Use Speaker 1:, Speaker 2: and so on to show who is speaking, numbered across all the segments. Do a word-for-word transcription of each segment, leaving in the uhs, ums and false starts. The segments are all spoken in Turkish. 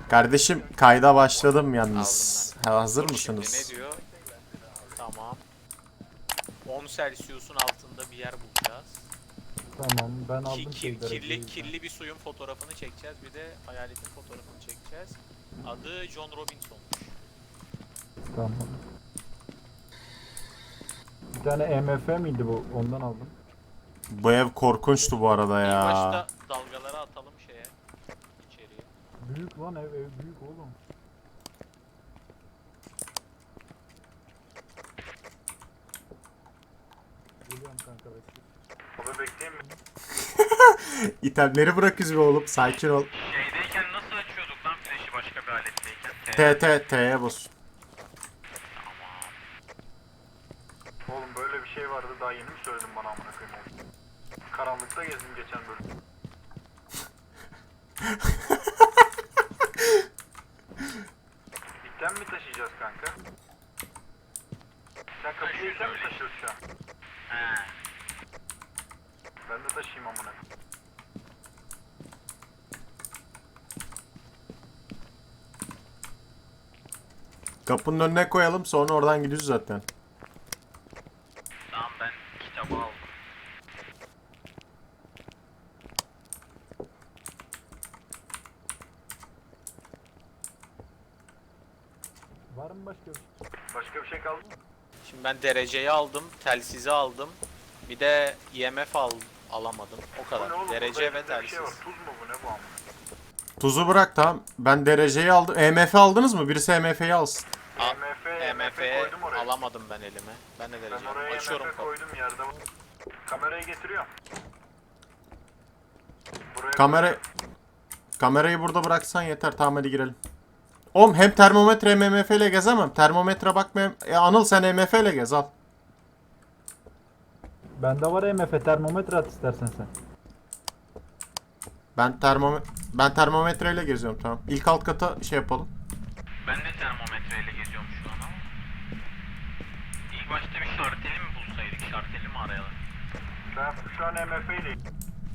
Speaker 1: Kardeşim kayda başladım yalnız.
Speaker 2: Aldım
Speaker 1: Ha, hazır
Speaker 2: Dur
Speaker 1: mısınız?
Speaker 2: Şimdi ne diyor? Tamam. on Celsius'un altında bir yer bulacağız.
Speaker 3: Tamam ben
Speaker 2: Ki,
Speaker 3: aldım
Speaker 2: ki-
Speaker 3: şeyleri.
Speaker 2: kirli, kirli bir suyun fotoğrafını çekeceğiz. Bir de hayaletin fotoğrafını çekeceğiz. Adı John Robinson.
Speaker 3: Tamam. Bir tane E M F miydi bu? Ondan aldım.
Speaker 1: Bu ev korkunçtu bu arada
Speaker 2: İlk
Speaker 1: ya.
Speaker 2: başta dalgaları atalım şeye. İçeriye.
Speaker 3: Büyük lan ev, ev büyük oğlum. Geliyorum kanka bekle.
Speaker 4: Abi bekleyeyim mi?
Speaker 1: İtemleri bırakız be oğlum. Sakin ol.
Speaker 4: Şeydeyken nasıl açıyorduk lan flash'i başka bir aletteyken?
Speaker 1: T T T'ye bas.
Speaker 4: Oğlum böyle bir şey vardı daha yeni mi söyledin bana amına koyayım oğlum? Karanlıkta gezdim geçen bölüm. Dikten mi taşıyacağız kanka? Sen kapıyı sen mi taşıyorsun şu an? He. Ben de taşıyayım amına koyayım.
Speaker 1: Kapının önüne koyalım sonra oradan gidiyoruz zaten.
Speaker 4: Tamam ben kitabı aldım.
Speaker 3: Var mı başka bir şey?
Speaker 4: Başka bir şey kaldı mı?
Speaker 2: Şimdi ben dereceyi aldım, telsizi aldım. Bir de I M F al alamadım. O
Speaker 4: Bu
Speaker 2: kadar.
Speaker 4: ne oğlum?
Speaker 2: Derece
Speaker 4: Burada
Speaker 2: ve
Speaker 4: elimde bir
Speaker 2: telsiz.
Speaker 4: şey var. Tuz mu bu ne bu amına?
Speaker 1: Tuzu bırak tamam. Ben dereceyi aldım. E M F aldınız mı? Birisi E M F'yi alsın.
Speaker 2: A-
Speaker 4: E M F,
Speaker 2: E
Speaker 4: E
Speaker 2: M
Speaker 4: M F
Speaker 2: F'ye
Speaker 4: koydum oraya.
Speaker 2: alamadım ben elime. Ben de
Speaker 4: Ben
Speaker 2: derece
Speaker 4: oraya
Speaker 2: aldım. Açıyorum
Speaker 4: M F
Speaker 2: kapıyı.
Speaker 4: koydum yerde. Kamerayı getiriyorum. Buraya
Speaker 1: Kamera... Kamerayı burada bıraksan yeter. Tamam hadi girelim. Oğlum hem termometre hem E M F ile gezemem. Termometre bakmayayım. E, Anıl sen E M F ile gez al.
Speaker 3: Bende var E M F termometre at istersen sen.
Speaker 1: Ben termome ben termometreyle geziyorum tamam. İlk alt kata şey yapalım.
Speaker 4: Ben de termometreyle geziyorum şu an ama. İlk başta bir şarteli mi bulsaydık? Şarteli mi arayalım? Ben şu an M F ile.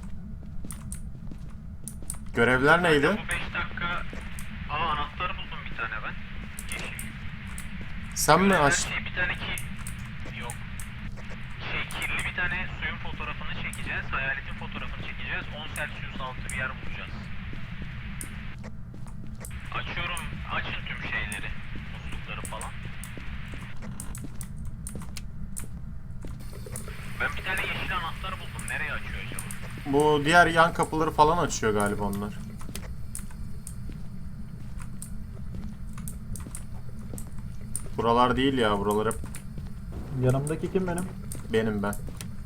Speaker 1: Görevler neydi?
Speaker 4: Bu beş dakika... Aa anahtarı buldum bir tane ben. Yeşil.
Speaker 1: Sen mi
Speaker 4: Görevler
Speaker 1: aç?
Speaker 4: şey, bir tane ki... Yok. Şey kirli bir tane suyun fotoğrafını çekeceğiz. Hayaletin fotoğrafını çekeceğiz. on Celsius altı bir yer bulacağız. Açıyorum. Açın tüm şeyleri. Muslukları falan. Ben bir tane yeşil anahtar buldum. Nereye açıyor acaba?
Speaker 1: Bu diğer yan kapıları falan açıyor galiba onlar. Buralar değil ya, buralar hep
Speaker 3: Yanımdaki kim benim?
Speaker 1: benim ben.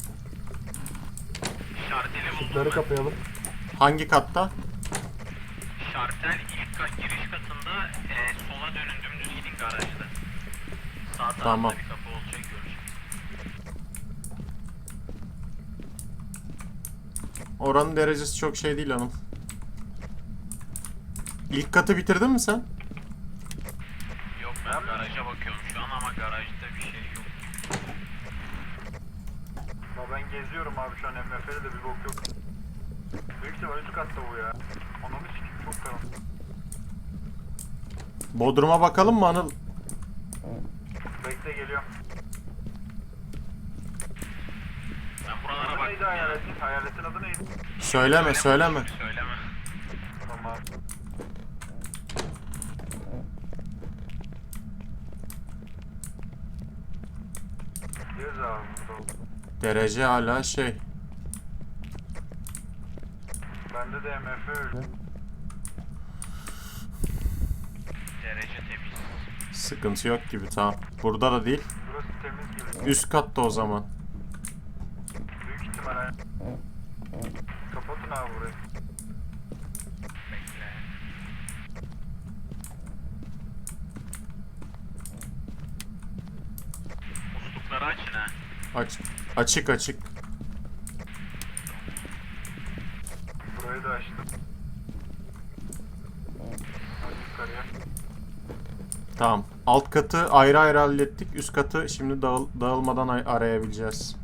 Speaker 4: Şarteli buldum
Speaker 3: Işıkları
Speaker 4: ben.
Speaker 3: kapayalım.
Speaker 1: Hangi katta?
Speaker 4: Şartel ilk kat giriş katında e, sola dönün dümdüz gidin garajda. Sağ tarafta
Speaker 1: Tamam.
Speaker 4: bir kapı olacak göreceğiz.
Speaker 1: Oranın derecesi çok şey değil hanım. İlk katı bitirdin mi sen?
Speaker 4: Yok ben garaja bakıyorum şu an ama garajda bir şey yok. Ama ben geziyorum abi şu an M F L'de bir bok yok. Büyük ihtimal üst katta bu ya. Ananı sikeyim çok karanlık.
Speaker 1: Bodrum'a bakalım mı Anıl?
Speaker 4: Bekle geliyorum. Ben buralara bak. Neydi hayaletin? Hayaletin adı neydi?
Speaker 1: Söyleme söyleme.
Speaker 4: Söyleme. Tamam. Gez abi burada.
Speaker 1: Derece hala şey.
Speaker 4: Bende de M F öldü. Derece temiz.
Speaker 1: Sıkıntı yok gibi tamam. Burada da değil.
Speaker 4: Burası temiz gibi.
Speaker 1: Üst katta o zaman.
Speaker 4: Büyük ihtimalle. Kapatın abi burayı. Bekle. Muslukları açın ha.
Speaker 1: Aç açık açık.
Speaker 4: Burayı da açtım. Hadi yukarıya.
Speaker 1: Tamam. Alt katı ayrı ayrı hallettik. Üst katı şimdi dağıl dağılmadan ay- arayabileceğiz.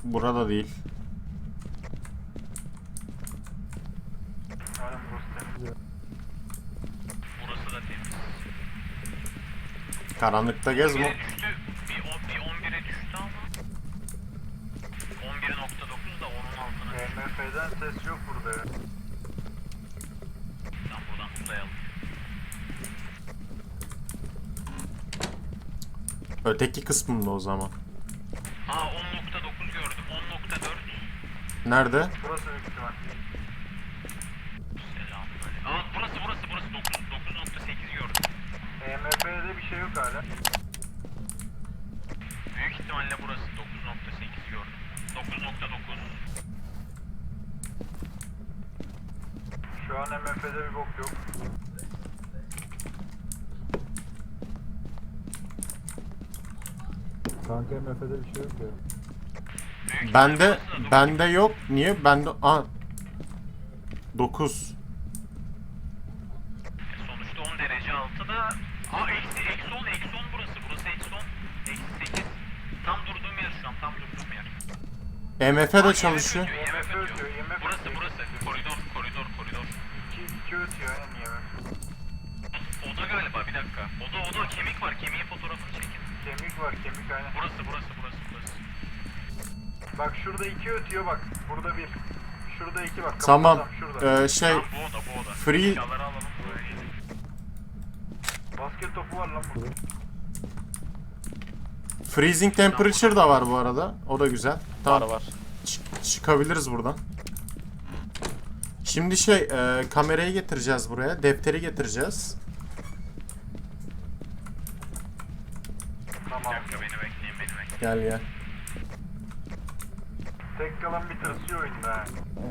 Speaker 1: Burada değil.
Speaker 4: Aynen burası temiz. Burası da temiz.
Speaker 1: Karanlıkta gezme.
Speaker 4: on bire düştü. Bir, on, bir on bire düştü ama. on bir nokta dokuz da onun altına. E M F'den ses yok burada ya. Tamam buradan tutayalım.
Speaker 1: Öteki kısmında o zaman.
Speaker 4: Aa on nokta dokuz gördüm. on nokta dört.
Speaker 1: Nerede?
Speaker 4: Burası büyük ihtimal. Selam böyle. Aa burası burası burası dokuz nokta sekiz gördüm. E M F'de bir şey yok hala. Büyük ihtimalle burası dokuz nokta sekiz gördüm. dokuz nokta dokuz. Şu an M F'de bir bok yok.
Speaker 3: Kanka M F'de bir şey yok ya.
Speaker 4: Büyük
Speaker 1: Bende
Speaker 4: ihtimalle burası da
Speaker 1: bende yok. Niye? Bende a dokuz.
Speaker 4: sonuçta on derece altıda. Aa eksi eksi on eksi on burası burası eksi on eksi sekiz. Tam durduğum yer şu an tam durduğum yer.
Speaker 1: M F de çalışıyor.
Speaker 4: I M F ötüyor. Burası burası koridor koridor koridor. iki iki ötüyor aynen I M F. Oda galiba bir dakika. Oda oda kemik var kemiğin fotoğrafını çekin. Kemik var kemik aynen. Burası burası burası burası. Bak şurada iki ötüyor bak. Burada bir. Şurada iki bak.
Speaker 1: Tamam.
Speaker 4: Kapı şurada.
Speaker 1: Ee, şey
Speaker 4: Tamam, bu oda bu oda.
Speaker 1: free-
Speaker 4: Eşyaları alalım buraya gelin. Basket topu var lan burada.
Speaker 1: freezing temperature da var bu arada. O da güzel.
Speaker 2: Var
Speaker 1: Tamam.
Speaker 2: var.
Speaker 1: Çık- çıkabiliriz buradan. Şimdi şey e, kamerayı getireceğiz buraya. Defteri getireceğiz.
Speaker 4: Tamam. Bir dakika beni bekleyin beni bekleyin.
Speaker 1: Gel gel.
Speaker 4: Tek kalan bir tırsıyor oyunda ha.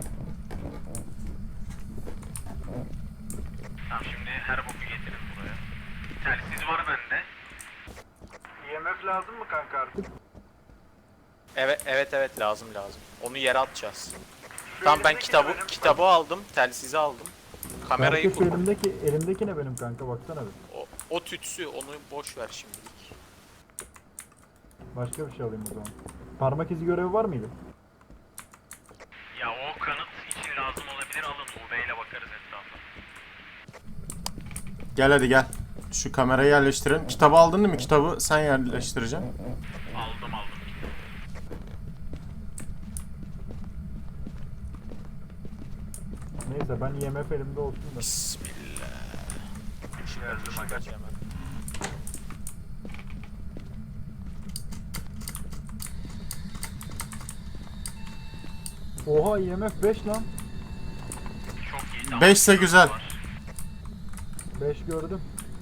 Speaker 4: Tamam şimdi her boku getirin buraya. Telsiz var bende. I M F lazım mı kanka artık?
Speaker 2: Evet evet evet lazım lazım. Onu yere atacağız.
Speaker 4: Şu
Speaker 2: Tamam ben
Speaker 4: elimdeki
Speaker 2: kitabı
Speaker 4: ne benim?
Speaker 2: kitabı aldım, telsizi aldım. Kamerayı
Speaker 3: Kanka şu
Speaker 2: kur.
Speaker 3: elimdeki, elimdeki ne benim kanka baksana bir.
Speaker 2: O, o tütsü onu boş ver şimdilik.
Speaker 3: Başka bir şey alayım o zaman. Parmak izi görevi var mıydı?
Speaker 4: Ya o kanıt için lazım olabilir alın U V ile bakarız etrafa.
Speaker 1: Gel hadi gel. Şu kamerayı yerleştirelim. Kitabı aldın değil mi? Kitabı sen yerleştireceksin.
Speaker 4: Aldım aldım.
Speaker 3: Neyse ben I M F elimde olsun da.
Speaker 2: Bismillah.
Speaker 4: Geldim
Speaker 2: Işık
Speaker 4: aga.
Speaker 2: aç hemen.
Speaker 3: Oha I M F beş lan.
Speaker 4: Çok iyi. Tamam.
Speaker 1: Beşse güzel.
Speaker 4: Var.
Speaker 3: beş gördüm.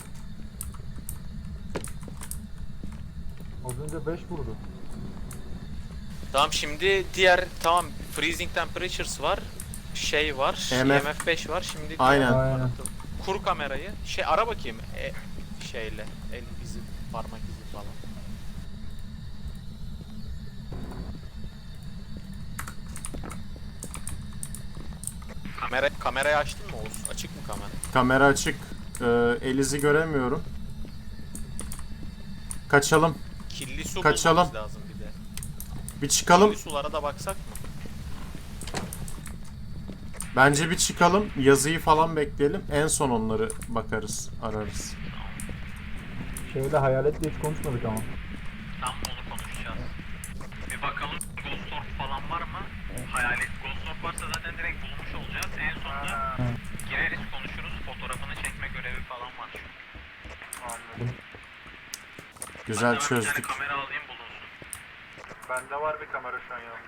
Speaker 3: Az önce beş vurdu.
Speaker 2: Tamam şimdi diğer tamam freezing temperatures var. Şey var.
Speaker 1: E M F.
Speaker 2: E M F beş var. Şimdi diğer
Speaker 1: Aynen.
Speaker 3: Aynen.
Speaker 2: kanıtı. Kur kamerayı. Şey ara bakayım. E, şeyle el izi, parmak izi falan. Kamera kamerayı açtın mı Oğuz? Açık mı kamera?
Speaker 1: Kamera açık. Ee, Elizi göremiyorum. Kaçalım.
Speaker 2: Kirli su
Speaker 1: Kaçalım.
Speaker 2: bulmamız lazım bir de.
Speaker 1: Bir çıkalım.
Speaker 2: Kirli sulara da baksak mı?
Speaker 1: Bence bir çıkalım. Yazıyı falan bekleyelim. En son onları bakarız, ararız.
Speaker 3: Şeyle hayaletle hiç konuşmadık ama.
Speaker 4: Tam onu konuşacağız. Bir bakalım Ghost Orb falan var mı? Hayalet Ghost Orb varsa zaten direkt bulmuş olacağız. En sonunda gireriz konuşuruz. Fotoğrafını çekme görevi falan var çünkü. Anladım.
Speaker 1: Güzel çözdük.
Speaker 4: Bir tane kamera alayım bulunsun. Bende var bir kamera şu an ya.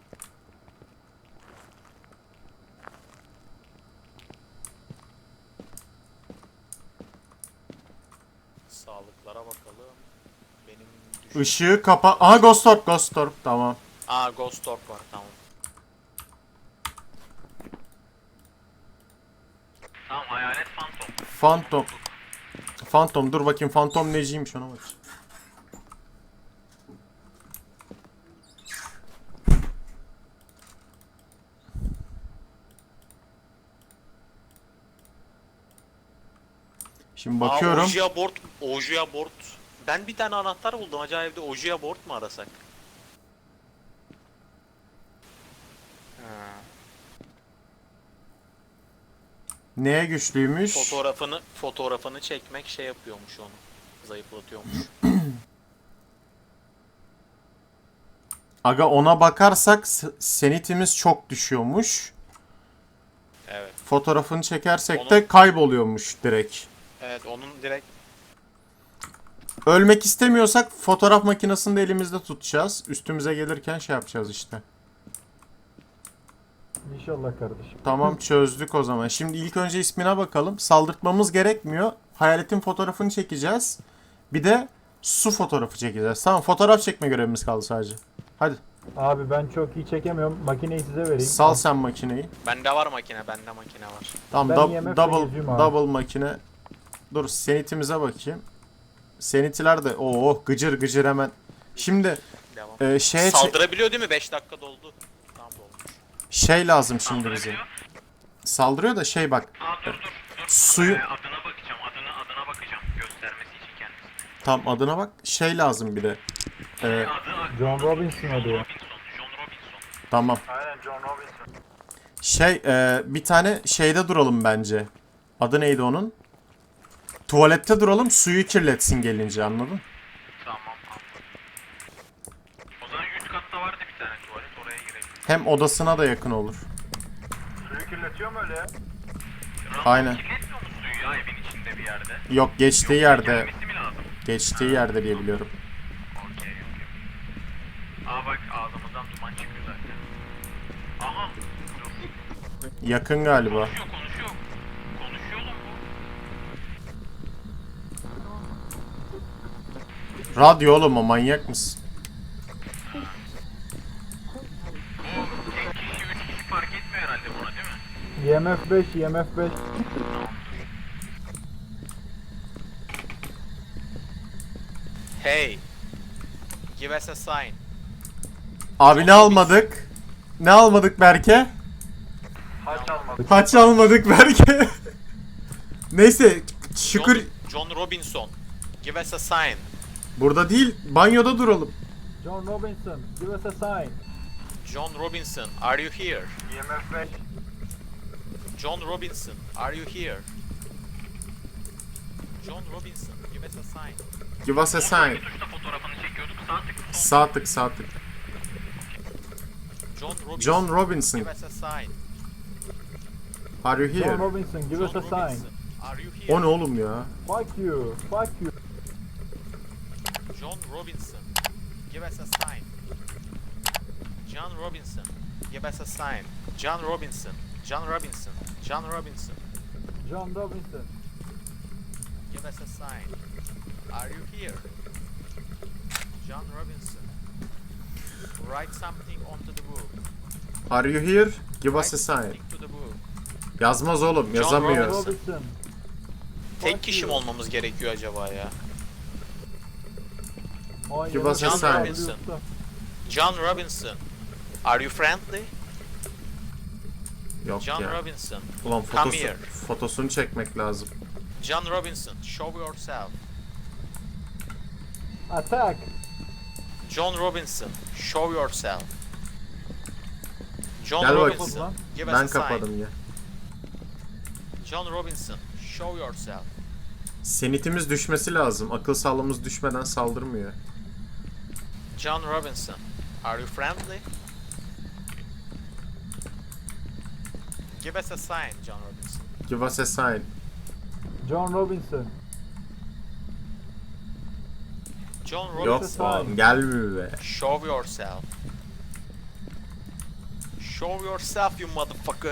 Speaker 2: Sağlıklara bakalım. Benim düşün...
Speaker 1: Işığı kapa... Aha Ghost Orb, Ghost Orb. Tamam.
Speaker 2: Aa Ghost Orb var tamam.
Speaker 4: Tamam hayalet Phantom.
Speaker 1: Phantom. Phantom dur bakayım Phantom neciymiş ona bak. Şimdi bakıyorum.
Speaker 2: Aa, Ouija board, Ouija board. Ben bir tane anahtar buldum. Acaba evde Ouija board mu arasak? Ha.
Speaker 1: Neye güçlüymüş?
Speaker 2: Fotoğrafını fotoğrafını çekmek şey yapıyormuş onu. Zayıflatıyormuş.
Speaker 1: Aga ona bakarsak s- senitimiz çok düşüyormuş.
Speaker 2: Evet.
Speaker 1: Fotoğrafını çekersek
Speaker 2: Onu-
Speaker 1: de kayboluyormuş direkt.
Speaker 2: Evet onun direkt
Speaker 1: Ölmek istemiyorsak fotoğraf makinesini de elimizde tutacağız. Üstümüze gelirken şey yapacağız işte.
Speaker 3: İnşallah kardeşim.
Speaker 1: Tamam çözdük o zaman. Şimdi ilk önce ismine bakalım. Saldırtmamız gerekmiyor. Hayaletin fotoğrafını çekeceğiz. Bir de su fotoğrafı çekeceğiz. Tamam fotoğraf çekme görevimiz kaldı sadece. Hadi
Speaker 3: Abi ben çok iyi çekemiyorum. Makineyi size vereyim.
Speaker 1: sal sen makineyi.
Speaker 2: bende var makine, bende makine var.
Speaker 1: Tamam
Speaker 3: Ben
Speaker 1: dub-
Speaker 3: I M F'le
Speaker 1: double
Speaker 3: gezeyim abi.
Speaker 1: double makine. Dur senitimize bakayım. Senitiler de oo gıcır gıcır hemen. Şimdi
Speaker 2: Devam.
Speaker 1: e, şeye çe-
Speaker 2: Saldırabiliyor değil mi? beş dakika doldu. Tamam dolmuş.
Speaker 1: şey lazım şimdi bize. Saldırıyor da şey bak.
Speaker 4: Aa dur dur dur.
Speaker 1: Suyu
Speaker 4: Ee, adına bakacağım. Adına adına bakacağım. Göstermesi için kendisi.
Speaker 1: tam adına bak. Şey lazım bir de. E,
Speaker 4: Adı
Speaker 3: John Robinson adı ya.
Speaker 4: Robinson. John Robinson.
Speaker 1: tamam.
Speaker 4: Aynen John Robinson.
Speaker 1: Şey e, bir tane şeyde duralım bence. Adı neydi onun? Tuvalette duralım suyu kirletsin gelince anladın?
Speaker 4: Tamam tamam. O zaman üst katta vardı bir tane tuvalet. Oraya girelim.
Speaker 1: Hem odasına da yakın olur.
Speaker 4: Suyu kirletiyor mu öyle ya?
Speaker 1: Aynen.
Speaker 4: Kirletmiyor mu suyu ya evin içinde bir yerde?
Speaker 1: Yok geçtiği yerde.
Speaker 4: Gelmesi mi lazım?
Speaker 1: Geçtiği yerde diye biliyorum.
Speaker 4: Okey okey. Aa bak ağzımızdan duman çıkıyor zaten. Aha. Dur.
Speaker 1: Yakın galiba.
Speaker 4: Konuşuyor konuşuyor. Konuşuyor oğlum bu.
Speaker 1: Radyo oğlum o manyak mısın?
Speaker 4: Bu tek kişi üç kişi fark etmiyor herhalde buna değil mi?
Speaker 3: I M F beş, I M F beş.
Speaker 2: Hey. Give us a sign.
Speaker 1: Abi ne almadık? Ne almadık Berke?
Speaker 4: Haç almadı.
Speaker 1: Haç almadık Berke. Neyse şükür
Speaker 2: John, John Robinson. Give us a sign.
Speaker 1: burada değil banyoda duralım.
Speaker 3: John Robinson, give us a sign.
Speaker 2: John Robinson, are you here?
Speaker 4: I M F beş.
Speaker 2: John Robinson, are you here? John Robinson, give us a sign.
Speaker 1: Give us a sign.
Speaker 4: Bir tuşla fotoğrafını çekiyorduk. Sağ tık sol.
Speaker 1: Sağ tık sağ tık.
Speaker 2: John Robinson,
Speaker 1: John Robinson.
Speaker 2: give us a sign.
Speaker 1: Are you
Speaker 3: John
Speaker 1: here?
Speaker 3: Robinson, give us
Speaker 2: John
Speaker 3: a sign.
Speaker 2: Robinson, are you here?
Speaker 1: O ne oğlum ya?
Speaker 3: Fuck you, fuck you.
Speaker 2: John Robinson, give us a sign. John Robinson, give us a sign. John Robinson, John Robinson, John Robinson,
Speaker 3: John Robinson.
Speaker 2: give us a sign. Are you here? John Robinson, write something onto the book.
Speaker 1: Are you here? Give us
Speaker 2: Write
Speaker 1: a sign.
Speaker 2: something to the book.
Speaker 1: Yazmaz oğlum
Speaker 2: John
Speaker 1: yazamıyor.
Speaker 2: Robinson.
Speaker 3: Robinson.
Speaker 2: Tek
Speaker 3: Fuck
Speaker 2: kişi mi
Speaker 3: you.
Speaker 2: olmamız gerekiyor acaba ya?
Speaker 3: Ay,
Speaker 1: Give
Speaker 3: I M F
Speaker 1: us a
Speaker 2: John
Speaker 1: sign.
Speaker 2: Robinson. John Robinson, are you friendly?
Speaker 1: Yok
Speaker 2: John
Speaker 1: ya.
Speaker 2: Robinson,
Speaker 1: Ulan
Speaker 2: come
Speaker 1: fotosu,
Speaker 2: here.
Speaker 1: fotosunu çekmek lazım.
Speaker 2: John Robinson, show yourself.
Speaker 3: Attack.
Speaker 2: John Robinson, show yourself. John
Speaker 1: Gel bakayım.
Speaker 2: Robinson, give us
Speaker 1: Ben
Speaker 2: a sign.
Speaker 1: kapadım ya.
Speaker 2: John Robinson, show yourself.
Speaker 1: Senitimiz düşmesi lazım. Akıl sağlığımız düşmeden saldırmıyor.
Speaker 2: John Robinson, are you friendly? Give us a sign, John Robinson.
Speaker 1: Give us a sign.
Speaker 3: John Robinson.
Speaker 2: John
Speaker 1: Yok
Speaker 2: Robinson,
Speaker 1: oğlum gelmiyor be.
Speaker 2: show yourself. Show yourself, you motherfucker.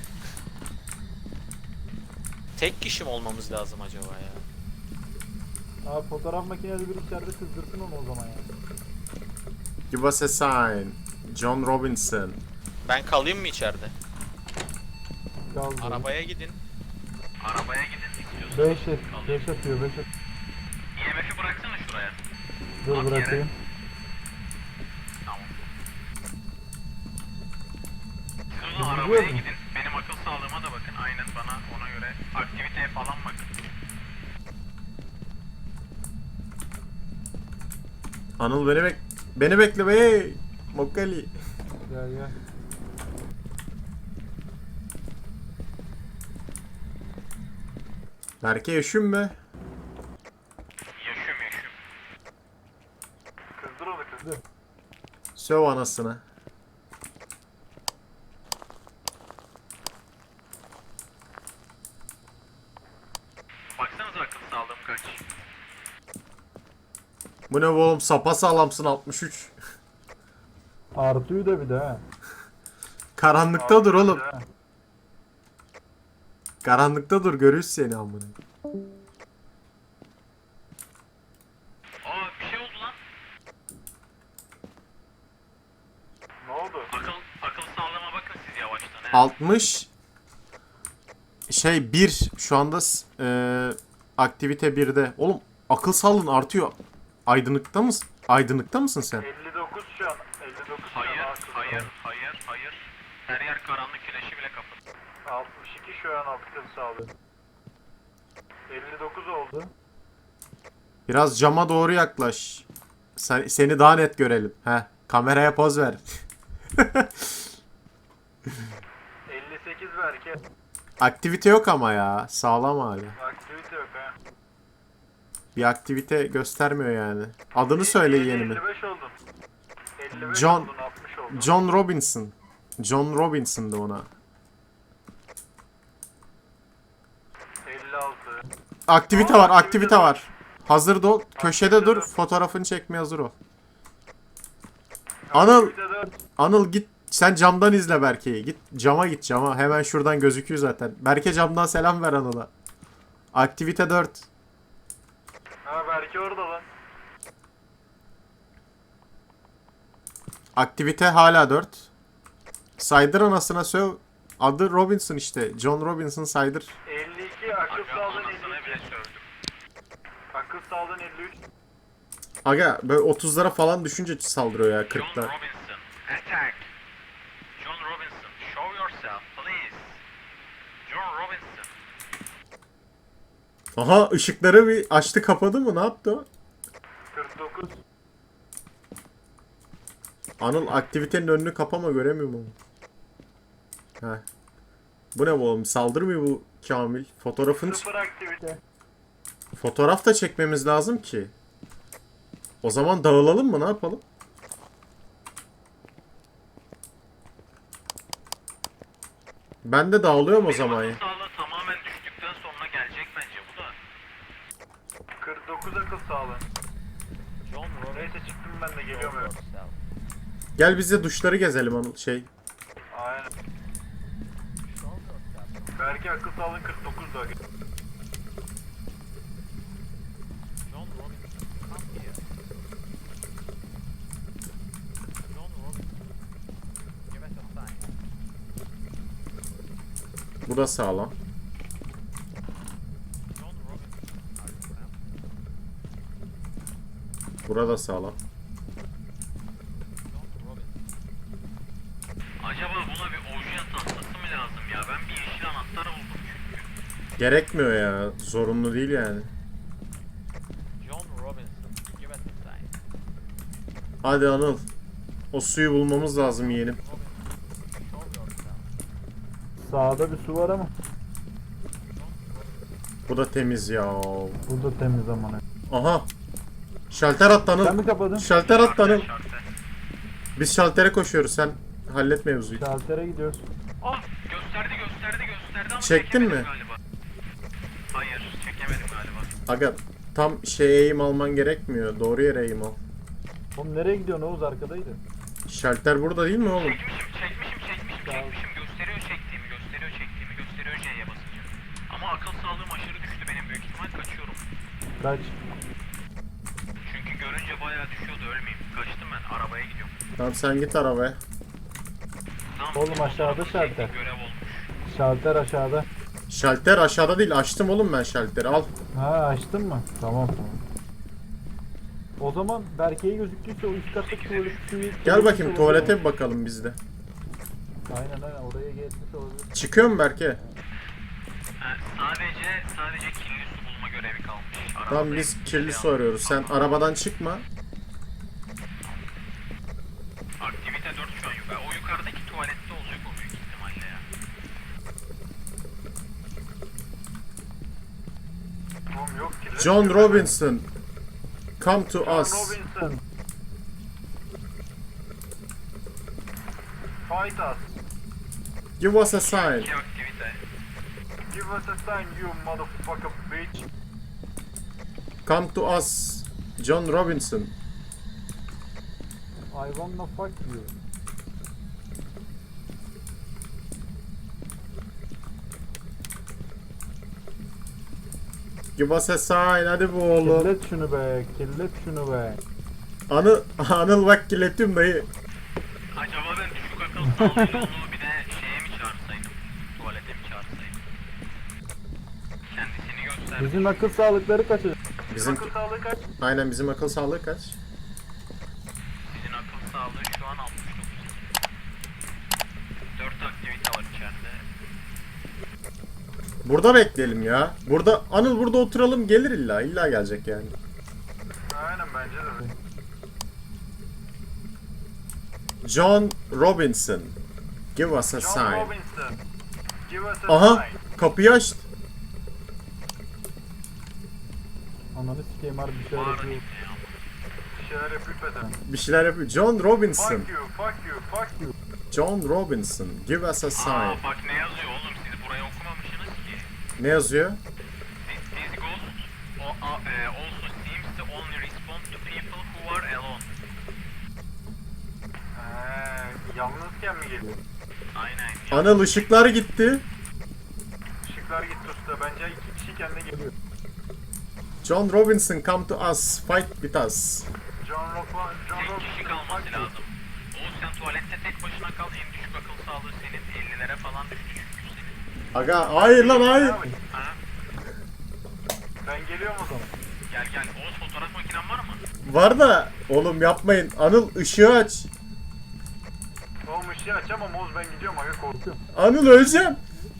Speaker 2: Tek kişi mi olmamız lazım acaba ya?
Speaker 3: Abi fotoğraf makinesi bir içeride kızdırsın onu o zaman ya.
Speaker 1: Give us a sign. John Robinson.
Speaker 2: Ben kalayım mı içeride?
Speaker 3: Kaldı.
Speaker 2: Arabaya gidin.
Speaker 4: Arabaya gidin istiyorsan.
Speaker 3: beş et, beş atıyor, beş at.
Speaker 4: I M F'i bıraksana şuraya.
Speaker 3: Dur
Speaker 4: At
Speaker 3: bırakayım.
Speaker 4: Tamam. Siz o
Speaker 3: Biz
Speaker 4: zaman arabaya
Speaker 3: gidiyoruz mu?
Speaker 4: gidin. Benim akıl sağlığıma da bakın. Aynen bana ona göre aktiviteye falan bakın.
Speaker 1: Anıl beni bek beni bekle be. Mokali.
Speaker 3: Gel gel.
Speaker 1: Berke üşünme.
Speaker 4: Yaşıyorum yaşıyorum.
Speaker 3: Kızdır onu kızdır.
Speaker 1: Söv anasını.
Speaker 4: Baksanıza akıl sağlığım kaç.
Speaker 1: Bu ne oğlum, sapa sağlamsın altmış üç.
Speaker 3: Artıyor da bir de ha.
Speaker 1: Karanlıkta dur oğlum.
Speaker 3: Ha.
Speaker 1: Karanlıkta dur, görürüz seni amına.
Speaker 4: Aa bir şey oldu lan.
Speaker 3: Ne oldu?
Speaker 4: Akıl akıl sağlığıma bakın siz yavaştan. He.
Speaker 1: altmış şey bir şu anda s- e, aktivite birde. Oğlum akıl sağlığın artıyor. Aydınlıkta mısın? Aydınlıkta mısın sen?
Speaker 3: elli dokuz şu an. elli dokuz şu
Speaker 4: Hayır,
Speaker 3: an akıl
Speaker 4: hayır,
Speaker 3: sağlığı.
Speaker 4: hayır, hayır. Her yer karanlık, güneşi bile kapalı.
Speaker 3: altmış iki şu an akıl sağlığı. elli dokuz oldu.
Speaker 1: Biraz cama doğru yaklaş. Sen, seni daha net görelim. He, kameraya poz ver.
Speaker 3: elli sekiz belki.
Speaker 1: Aktivite yok ama ya. Sağlam hala.
Speaker 3: Aktivite yok ha.
Speaker 1: Bir aktivite göstermiyor yani. Adını söyle yeğenimin.
Speaker 3: elli beş oldun. elli beş
Speaker 1: John-
Speaker 3: oldun, altmış oldun.
Speaker 1: John Robinson. John Robinson'dı ona.
Speaker 3: elli altı.
Speaker 1: Aktivite
Speaker 3: Aa,
Speaker 1: var,
Speaker 3: aktivite
Speaker 1: aktivite
Speaker 3: var.
Speaker 1: var. Hazır ol. Köşede
Speaker 3: Aktivite
Speaker 1: dur.
Speaker 3: var.
Speaker 1: Fotoğrafını çekmeye hazır ol. Anıl,
Speaker 3: Aktivite dört.
Speaker 1: Anıl git. Sen camdan izle Berke'yi. Git cama git cama. Hemen şuradan gözüküyor zaten. Berke camdan selam ver Anıl'a. Aktivite dört.
Speaker 3: Ha belki orada lan.
Speaker 1: Aktivite hala dört. Saydır anasına söv. Adı Robinson işte. John Robinson saydır.
Speaker 3: elli iki akıl
Speaker 4: Aga
Speaker 3: sağlığın
Speaker 4: anasına
Speaker 3: elli
Speaker 4: bile
Speaker 3: iki.
Speaker 4: sövdüm.
Speaker 3: Akıl sağlığın elli üç.
Speaker 1: Aga böyle otuzlara falan düşünce saldırıyor ya
Speaker 4: John
Speaker 1: kırkta.
Speaker 4: Robinson, attack. John Robinson, show yourself, please. John Robinson.
Speaker 1: Aha ışıkları bir açtı kapadı mı? Ne yaptı o?
Speaker 3: kırk dokuz.
Speaker 1: Anıl aktivitenin önünü kapama, göremiyorum onu. Heh. Bu ne bu oğlum? Saldırmıyor bu Kamil. Fotoğrafını
Speaker 3: sıfır aktivite.
Speaker 1: fotoğraf da çekmemiz lazım ki. O zaman dağılalım mı? Ne yapalım? Ben de dağılıyorum o zaman ya.
Speaker 4: Benim akıl sağlığı tamamen düştükten sonra gelecek bence bu da.
Speaker 3: kırk dokuz akıl sağlığı.
Speaker 2: John Robinson.
Speaker 3: Neyse çıktım ben de geliyorum eve.
Speaker 2: yourself.
Speaker 1: Gel biz de duşları gezelim Anıl. Şey.
Speaker 3: Aynen.
Speaker 2: Show yourself.
Speaker 3: Belki akıl sağlığın kırk dokuz da.
Speaker 2: John Robinson. Come here. John Robinson. Give us a sign.
Speaker 1: Bu da sağlam.
Speaker 2: John Robinson. Are you around?
Speaker 1: Burada sağlam.
Speaker 2: John Robinson.
Speaker 4: Acaba buna bir oje tahtası mı lazım ya? Ben bir yeşil anahtar buldum çünkü.
Speaker 1: Gerekmiyor ya. Zorunlu değil yani.
Speaker 2: John Robinson. Give us a sign.
Speaker 1: Hadi Anıl. O suyu bulmamız lazım yeğenim.
Speaker 2: Robinson. Show yourself.
Speaker 3: Sağda bir su var ama.
Speaker 1: Bu da temiz ya.
Speaker 3: Burada temiz ama ne.
Speaker 1: Aha. Şalter attı
Speaker 3: Sen
Speaker 1: Anıl.
Speaker 3: mi kapadın?
Speaker 1: Şalter attı Anıl.
Speaker 4: Şartel.
Speaker 1: Biz şaltere koşuyoruz. Sen hallet mevzuyu.
Speaker 3: Şaltere gidiyoruz.
Speaker 4: Ah gösterdi gösterdi gösterdi ama
Speaker 1: Çektin
Speaker 4: çekemedim
Speaker 1: mi?
Speaker 4: Galiba. Hayır çekemedim galiba.
Speaker 1: Aga tam şey eğim alman gerekmiyor. Doğru yere eğim al.
Speaker 3: Oğlum nereye gidiyorsun Oğuz, arkadaydı.
Speaker 1: Şalter burada değil mi oğlum?
Speaker 4: Çekmişim çekmişim çekmişim çekmişim. Gösteriyor çektiğimi gösteriyor çektiğimi gösteriyor C'ye basınca. Ama akıl sağlığım aşırı düştü benim, büyük ihtimal kaçıyorum.
Speaker 3: Kaç.
Speaker 4: Çünkü görünce bayağı düşüyordu, ölmeyeyim. Kaçtım ben, arabaya gidiyorum.
Speaker 1: Tamam sen git arabaya.
Speaker 4: Tamam,
Speaker 3: Oğlum
Speaker 4: bu
Speaker 3: aşağıda
Speaker 4: fotoğrafı
Speaker 3: şalter.
Speaker 4: çektiğim görev olmuş.
Speaker 3: Şalter aşağıda.
Speaker 1: Şalter aşağıda değil. Açtım oğlum ben şalteri. Al.
Speaker 3: Ha açtın mı? Tamam tamam. O zaman Berke'ye gözüktüyse o üst kattaki tuvalet suyu...
Speaker 1: Gel bakayım tuvalete bir bakalım biz de.
Speaker 3: Aynen aynen, oraya geçmiş olabilir.
Speaker 1: Çıkıyor mu Berke?
Speaker 4: Ha, sadece sadece kirli su bulma görevi kalmış.
Speaker 1: Tamam
Speaker 4: Arabada
Speaker 1: biz
Speaker 4: bir
Speaker 1: kirli
Speaker 4: şey
Speaker 1: su arıyoruz. Sen
Speaker 4: aldım.
Speaker 1: arabadan çıkma.
Speaker 4: Aktivite dört şu an yukarı. O yukarıdaki tuvalette olacak o büyük ihtimalle ya.
Speaker 1: John Robinson, come to
Speaker 3: John
Speaker 1: us.
Speaker 3: Robinson. Fight us.
Speaker 1: Give us a sign.
Speaker 4: İki aktivite.
Speaker 3: Give us a sign, you motherfucker bitch.
Speaker 1: Come to us, John Robinson.
Speaker 3: I wanna fuck you.
Speaker 1: Give us a sign, hadi bu oğlum.
Speaker 3: Kirlet şunu be, kirlet şunu be.
Speaker 1: Anıl, Anıl bak kirletiyorum dayı.
Speaker 4: Acaba ben düşük akıl sağlığıyla onu bir de şeye mi çağırsaydım? Tuvalete mi çağırsaydım? Kendisini göster.
Speaker 3: Bizim akıl sağlıkları kaçacak.
Speaker 1: Bizim,
Speaker 3: Akıl sağlığı kaç?
Speaker 1: aynen bizim akıl sağlığı kaç?
Speaker 4: Sizin akıl sağlığı şu an altmış dokuz. dört aktivite var içeride.
Speaker 1: Burada bekleyelim ya. Burada Anıl burada oturalım, gelir illa. İlla gelecek yani.
Speaker 3: Aynen bence de.
Speaker 1: John Robinson. Give us a
Speaker 3: John
Speaker 1: sign.
Speaker 3: Robinson. Give us a
Speaker 1: Aha,
Speaker 3: sign.
Speaker 1: kapıyı açtı.
Speaker 3: Ananı sikeyim harbi bir şeyler
Speaker 4: Var
Speaker 3: yapıyor.
Speaker 4: ya.
Speaker 3: Bir şeyler yapıyor beden.
Speaker 1: Bir şeyler yapıyor. John Robinson.
Speaker 3: Fuck you, fuck you, fuck you.
Speaker 1: John Robinson. Give us a sign.
Speaker 4: Aa bak ne yazıyor oğlum, siz burayı okumamışsınız ki.
Speaker 1: Ne yazıyor?
Speaker 4: This, this ghost o, a, e, also seems to only respond to people who are alone.
Speaker 3: Eee, yalnızken mi geliyor?
Speaker 4: Aynen.
Speaker 1: Anıl ışıklar gitti.
Speaker 3: Işıklar gitti usta. Bence iki kişi kendine geliyor.
Speaker 1: John Robinson, come to us. Fight with us.
Speaker 3: John Robinson, John
Speaker 4: Tek kişi
Speaker 3: Robinson,
Speaker 4: kalması
Speaker 3: fuck you.
Speaker 4: lazım. Oğuz sen tuvalette tek başına kal, en düşük akıl sağlığı senin. ellilere falan düştü çünkü senin.
Speaker 1: Aga hayır lan hayır.
Speaker 3: Abi,
Speaker 4: Ha?
Speaker 3: ben geliyorum o zaman.
Speaker 4: Gel gel. Oğuz fotoğraf makinen var mı?
Speaker 1: Var da oğlum yapmayın. Anıl ışığı aç.
Speaker 3: Oğlum ışığı açamam Oğuz, ben gidiyorum aga, korkuyorum.
Speaker 1: Anıl öleceğim.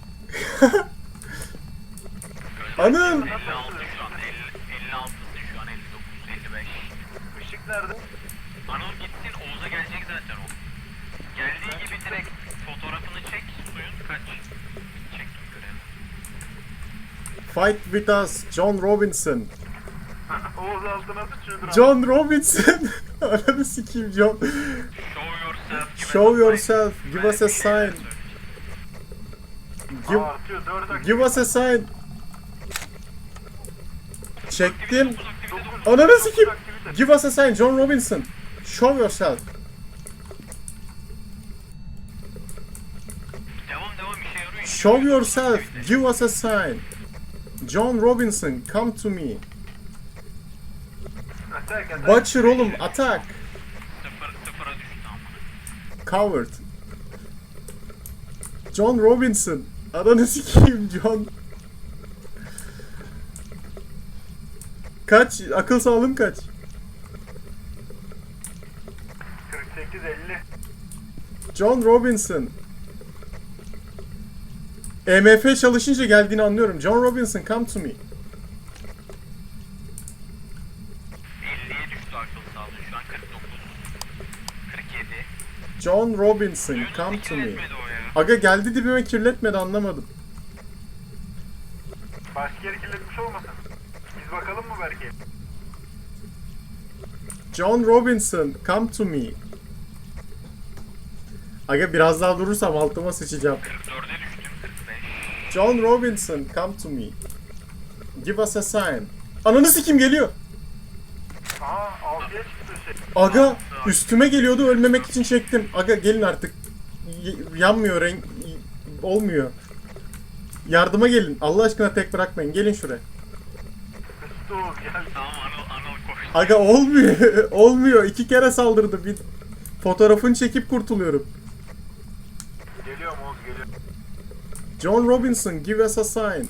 Speaker 1: Anıl.
Speaker 4: elli altı şu an. elli, elli altısın şu an. elli dokuz, elli beş.
Speaker 3: Işık nerede?
Speaker 4: Anıl gitsin, Oğuz'a gelecek zaten o. Geldiği gibi direkt fotoğrafını çek, suyun kaç. Çektim görevi.
Speaker 1: Fight with us. John Robinson.
Speaker 3: Oğuz altına sıçıyordur abi.
Speaker 1: John Robinson. Ananı sikeyim John.
Speaker 4: Show yourself.
Speaker 1: Show yourself.
Speaker 4: Give us a sign.
Speaker 1: Give us a
Speaker 4: Belki bir şeyler
Speaker 1: sign.
Speaker 4: söyleyecek.
Speaker 1: Give,
Speaker 3: Aa, artıyor, dört dakika.
Speaker 1: give us a sign. Çektim.
Speaker 4: Dokuz aktivite, dokuz.
Speaker 1: Ananı
Speaker 3: Dokuz
Speaker 1: sikeyim.
Speaker 3: aktivite.
Speaker 1: Give us a sign. John Robinson. Show yourself.
Speaker 4: Devam devam işe yarıyor.
Speaker 1: Show yourself. Give us a sign. John Robinson, come to me.
Speaker 3: Atak, atak.
Speaker 1: Butcher oğlum, attack.
Speaker 4: Sıfır, sıfıra düştü amına.
Speaker 1: Coward. John Robinson. Ananı sikeyim John. Kaç? Akıl sağlığım kaç?
Speaker 3: kırk sekiz elli.
Speaker 1: John Robinson. E M F çalışınca geldiğini anlıyorum. John Robinson, come to me.
Speaker 4: elliye düştü akıl sağlığı şu an. kırk dokuz. kırk yedi.
Speaker 1: John Robinson,
Speaker 4: Suyunu
Speaker 1: come to me.
Speaker 4: etmedi o ya.
Speaker 1: Aga geldi dibime kirletmedi, anlamadım.
Speaker 3: Başka yeri kirletmiş olmasın? Biz bakalım mı belki?
Speaker 1: John Robinson, come to me. Aga biraz daha durursam altıma sıçacağım.
Speaker 4: kırk dörde düştüm. kırk beş.
Speaker 1: John Robinson, come to me. Give us a sign. Ananı sikim geliyor.
Speaker 3: Aha, altıya çıktı şey.
Speaker 1: Aga üstüme geliyordu, ölmemek için çektim. Aga gelin artık. Y- yanmıyor renk. y- olmuyor. Yardıma gelin. Allah aşkına tek bırakmayın. Gelin şuraya.
Speaker 3: Üstü Oğuz geldi.
Speaker 4: Tamam Anıl, Anıl koştu.
Speaker 1: Aga olmuyor. olmuyor. İki kere saldırdı. Bir fotoğrafını çekip kurtuluyorum.
Speaker 3: Geliyorum Oğuz, geliyorum.
Speaker 1: John Robinson, give us a sign.
Speaker 3: Ananı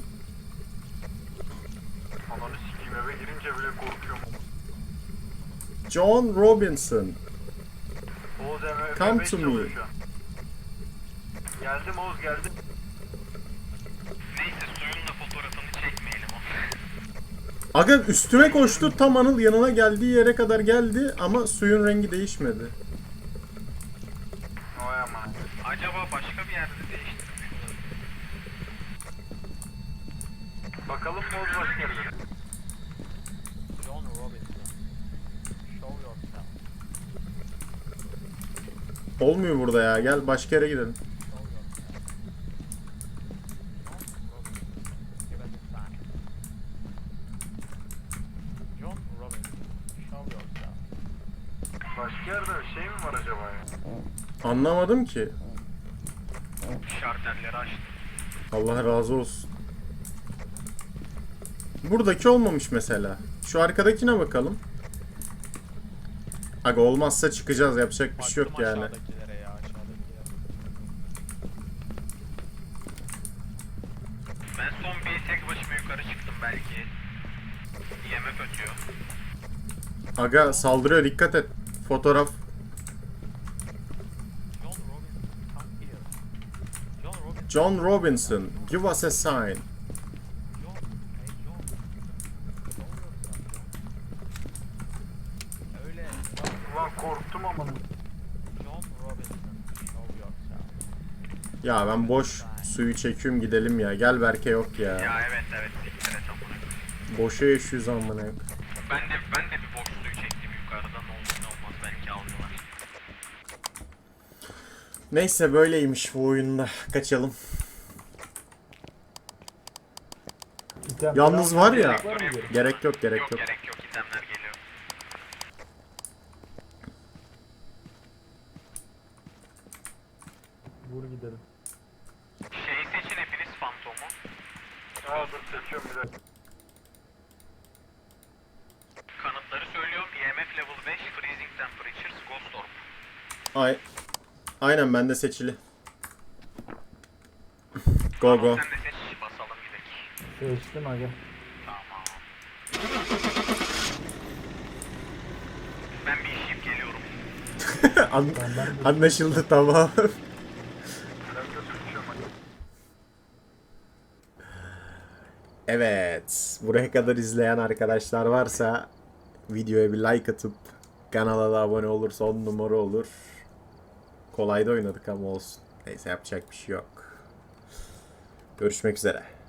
Speaker 3: sikeyim, eve girince bile korkuyorum.
Speaker 1: John Robinson.
Speaker 3: Oğuz eve
Speaker 1: Come
Speaker 3: beş
Speaker 1: to me.
Speaker 3: çalıyor şu an. Geldim Oğuz, geldim.
Speaker 4: Neyse suyun da fotoğrafını çekmeyelim o.
Speaker 1: Aga üstüme koştu. Tam Anıl yanına geldiği yere kadar geldi ama suyun rengi değişmedi.
Speaker 3: Vay aman.
Speaker 4: Acaba başka bir yerde değiştirmiş olabilir.
Speaker 3: Bakalım Oğuz başka yerlere.
Speaker 2: John Robinson. Show yourself.
Speaker 1: Olmuyor burada ya. Gel başka yere gidelim.
Speaker 2: Show yourself. John Robinson. Give us a sign. John Robinson. Show yourself.
Speaker 4: Başka yerde bir şey mi var acaba ya?
Speaker 1: Anlamadım ki.
Speaker 4: Şartelleri açtım.
Speaker 1: Allah razı olsun. Buradaki olmamış mesela. Şu arkadakine bakalım. Aga olmazsa çıkacağız. Yapacak bir şey yok
Speaker 2: Baktım
Speaker 1: yani.
Speaker 2: aşağıdakilere ya, aşağıdakilere.
Speaker 4: Ben son bir tek başıma yukarı çıktım belki. I M F ötüyor.
Speaker 1: Aga saldırıyor, dikkat et. Fotoğraf.
Speaker 2: John Robinson, come here. John Robinson.
Speaker 1: John Robinson, give us a sign.
Speaker 2: John. Hey John. Show yourself, John. Öyle.
Speaker 4: Ulan korktum ama.
Speaker 2: John Robinson. Show yourself.
Speaker 1: Ya ben boş suyu çekiyorum gidelim ya. Gel Berke yok ya.
Speaker 4: Ya evet evet. Siktir et amına.
Speaker 1: Boşa yaşıyoruz amına yok.
Speaker 4: Ben de ben de bir boş suyu çektim yukarıdan, olur ne olmaz belki aldılar.
Speaker 1: Neyse böyleymiş bu oyunda. Kaçalım.
Speaker 3: İtem
Speaker 1: Yalnız
Speaker 3: falan
Speaker 1: var ya.
Speaker 3: var mı geri?
Speaker 1: Gerek yok, gerek
Speaker 4: Yok
Speaker 1: yok.
Speaker 4: gerek yok, itemler geliyor.
Speaker 3: Vur gidelim.
Speaker 4: Şeyi seçin hepiniz, fantomu. Aa dur seçiyorum bir dakika. Kanıtları söylüyorum. E M F level beş, freezing temperatures, ghost orb.
Speaker 1: Ay. Aynen bende seçili. Go go.
Speaker 4: Sen de seç, basalım gidelim.
Speaker 3: Seçtim aga.
Speaker 4: Tamam. Ben bir işim geliyorum.
Speaker 1: An-
Speaker 3: Ben, ben de
Speaker 1: anlaşıldı tamam.
Speaker 4: Ben de seçiyorum hadi.
Speaker 1: Evet. Buraya kadar izleyen arkadaşlar varsa videoya bir like atıp kanala da abone olursa on numara olur. Kolay da oynadık ama olsun. Neyse yapacak bir şey yok. Görüşmek üzere.